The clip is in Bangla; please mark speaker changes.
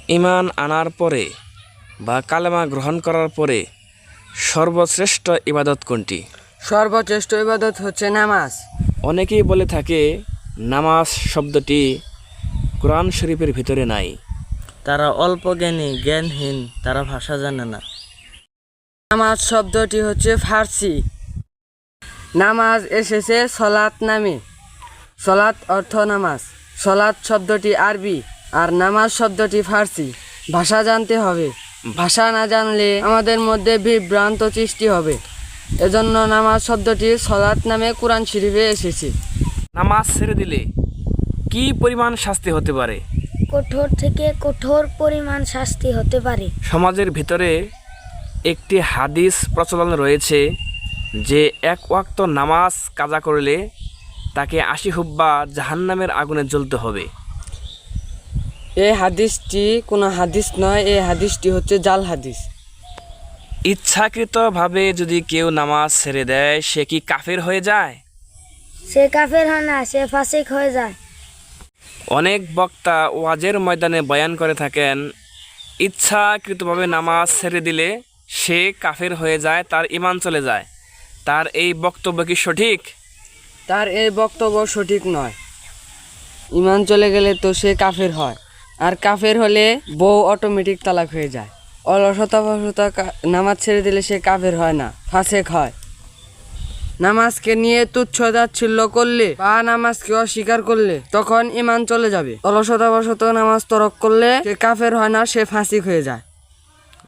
Speaker 1: ঈমান আনার পরে বা কালেমা গ্রহণ করার পরে সর্বশ্রেষ্ঠ ইবাদত কোনটি?
Speaker 2: সর্বশ্রেষ্ঠ ইবাদত হচ্ছে নামাজ।
Speaker 1: অনেকেই বলে থাকে নামাজ শব্দটি কোরআন শরীফের ভিতরে নাই।
Speaker 3: তারা অল্প জ্ঞানহীন, তারা ভাষা জানে না।
Speaker 2: নামাজ শব্দটি হচ্ছে ফার্সি। নামাজ এসেছে সলাত নামে। সলাত অর্থ নামাজ। সলাত শব্দটি আরবি আর নামাজ শব্দটি ফার্সি। ভাষা জানতে হবে। ভাষা না জানলে আমাদের মধ্যে বিভ্রান্ত সৃষ্টি হবে। এজন্য নামাজ শব্দটি সলাত নামে কোরআন শরীফে এসেছে।
Speaker 1: নামাজ ছেড়ে দিলে কি পরিমাণ শাস্তি হতে পারে?
Speaker 4: কঠোর থেকে কঠোর পরিমাণ শাস্তি হতে পারে।
Speaker 1: সমাজের ভিতরে একটি হাদিস প্রচলন রয়েছে যে এক ওয়াক্ত নামাজ কাজা করলে তাকে ৮০ হুব্বা জাহান্নামের আগুনে জ্বলতে হবে।
Speaker 2: এই হাদিসটি কোনো হাদিস নয়, এই হাদিসটি হচ্ছে জাল হাদিস।
Speaker 1: ইচ্ছাকৃতভাবে যদি কেউ নামাজ ছেড়ে দেয় সে কি কাফের হয়ে যায়?
Speaker 4: সে কাফের হয় না, সে ফাসিক হয়ে যায়।
Speaker 1: অনেক বক্তা ওয়াজের ময়দানে বয়ান করে থাকেন ইচ্ছাকৃতভাবে নামাজ ছেড়ে দিলে সে কাফের হয়ে যায়, তার ঈমান চলে যায়। তার এই বক্তব্য কি সঠিক?
Speaker 2: তার এই বক্তব্য সঠিক নয়। ঈমান চলে গেলে তো সে কাফের হয়, আর কাফের হলে বউ অটোমেটিক তালাক হয়ে যায়। অলসতা নামাজ ছেড়ে দিলে সে কাফের হয় না, ফাসেক হয়। নামাজকে নিয়ে তুচ্ছ তাচ্ছিল্য করলে বা নামাজকে অস্বীকার করলে তখন ঈমান চলে যাবে। অলসতা নামাজ তরক করলে সে কাফের হয় না, সে ফাসিক হয়ে যায়।